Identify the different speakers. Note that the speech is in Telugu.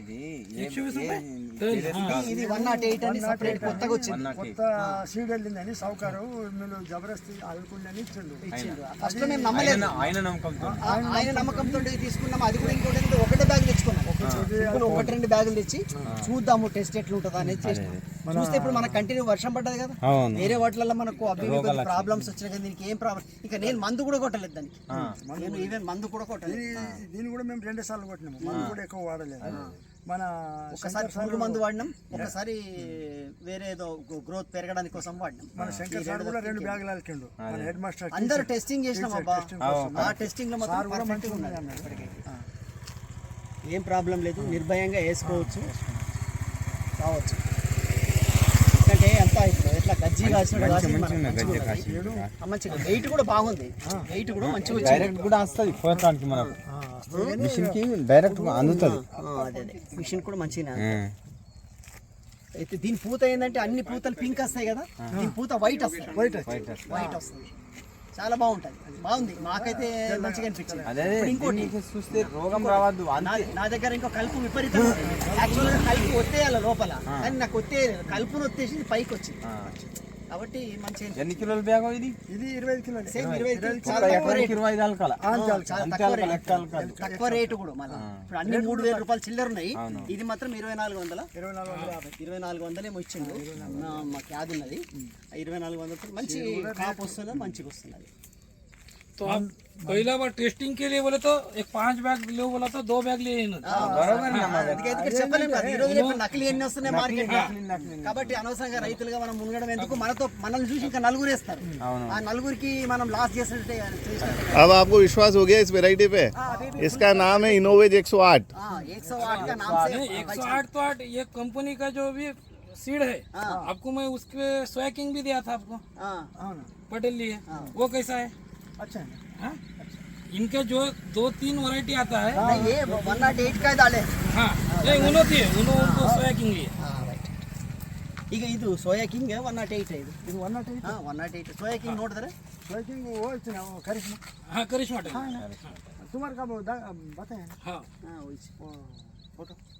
Speaker 1: ఇది 108 అని సెపరేట్ కొత్తగా వచ్చింది.
Speaker 2: కొత్త సీడ్ వెళ్ళిందని సౌకర్యం మీరు జబర్దస్తి అల్లుకుండని ఇచ్చిండు.
Speaker 1: ఫస్ట్ మేము నమ్మలేదు, ఆయన నమ్మకంతో తీసుకున్నాం. అది కూడా ఇంకోటి ఒకటే బ్యాగ్ తెచ్చుకున్నాం, ఒకటి రెండు బ్యాగులు తెచ్చి చూద్దాము టెస్ట్ ఎట్లుంటుందా అనేది చేసినాం. చూస్తే ఇప్పుడు మనకు కంటిన్యూ వర్షం పడ్డది కదా, వేరే వాటిలలో మనకు ప్రాబ్లమ్స్ వచ్చినాయి కదా, దీనికి ఏం ప్రాబ్లం. ఇక నేను మందు కూడా కొట్టలేదు దానికి, నేను ఈవెన్ మందు కూడా కొట్టలేదు.
Speaker 2: దీన్ని కూడా మేము 2 సార్లు కొట్టినాము, మందు కూడా ఎక్కువ వాడలేదు. మన
Speaker 1: ఒకసారి పురుగు మందు వాడినాం, ఒకసారి వేరే ఏదో గ్రోత్ పెరగడానికి కోసం వాడినాం.
Speaker 2: మన శంకర్ సార్ కూడా 2 బ్యాగులు అల్లిండు. మన హెడ్ మాస్టర్
Speaker 1: అందరూ టెస్టింగ్ చేసినాం అబ్బా. ఆ టెస్టింగ్ లో మాత్రం పర్ఫెక్ట్గా ఉన్నది ఇప్పటికీ. ఏం ప్రాబ్లం లేదు, నిర్భయంగా వేసుకోవచ్చు, కావచ్చు. ఎందుకంటే అంతా ఇప్పుడు ఎట్లా గజ్జి మంచిగా వెయిట్ కూడా బాగుంది, వెయిట్ కూడా మంచిగా
Speaker 3: డైరెక్ట్ కూడా వస్తుంది పోతానికి మనకు మిషన్ కి డైరెక్ట్ అందుతుంది.
Speaker 1: అదే మిషన్ కూడా మంచిగా అయితే. దీని పూత ఏంటంటే అన్ని పూతలు పింక్ వస్తాయి కదా, దీని పూత వైట్ వస్తాయి, వైట్ వస్తుంది. చాలా బాగుంటది, బాగుంది, మాకైతే మంచిగా అనిపించింది. ఇంకోటి
Speaker 3: చూస్తే రోగం రావద్దు.
Speaker 1: నా దగ్గర ఇంకో కలుపు విపరీతం, యాక్చువల్గా కలుపు ఒత్తేయాలి లోపల, కానీ నాకు కలుపును ఒత్తేసి పైకి వచ్చింది. కాబట్టి మంచిగా.
Speaker 3: ఎన్ని కిలోల బ్యాగ్ ఇది?
Speaker 2: ఇది 25 కిలోలు.
Speaker 1: సేమ్ 25 తక్కువ రేటు కూడా. మళ్ళీ ఇప్పుడు అన్ని 3000 రూపాయలు చిల్లర ఉన్నాయి, ఇది మాత్రం 2450 ఏమో ఇచ్చిండు. మా క్యాబ్ ఉన్నది 2400, మంచి కాపు వస్తుంది, మంచిగా వస్తుంది.
Speaker 4: तो आप पहला बार टेस्टिंग के लिए बोले तो एक 5 बैग ले बोला तो 2 बैग ले
Speaker 1: నకిలీ ఎన్ని వస్తున్నాయి మార్కెట్ లో, కాబట్టి అనవసరంగా రైతులుగా మనం మునగడం ఎందుకు. మనల్ని చూసి ఇంకా నలుగురు వేస్తారు, ఆ నలుగురికి మనం లాస్ చేసినట్టే.
Speaker 5: अब आपको विश्वास हो गया इस वैरायटी पे? इसका नाम है इनोवेज 108.
Speaker 1: 108 का नाम से
Speaker 4: 108 तो 8 ये कंपनी का जो भी सीड है, आपको मैं उसके स्वैकिंग भी दिया था आपको, पटेल लिए, वो कैसा है?
Speaker 2: अच्छा
Speaker 4: है। इनके जो 2-3 वैरायटी आता है,
Speaker 1: ये 108 का डाले.
Speaker 4: हाँ ये उनको सोया किंग लिए.
Speaker 1: ಈಗ ಇದು ಸೋಯಾ ಕಿಂಗ್ 108 ಇದು
Speaker 2: 108.
Speaker 1: 108 ಸೋಯಾ ಕಿಂಗ್ ನೋಡಿದ್ರೆ
Speaker 2: सोया किंग वो इतना करिश्मा.
Speaker 4: हाँ करिश्मा टाइप.
Speaker 2: तुम्हारे का बताया.
Speaker 4: हाँ
Speaker 1: हाँ वही फोटो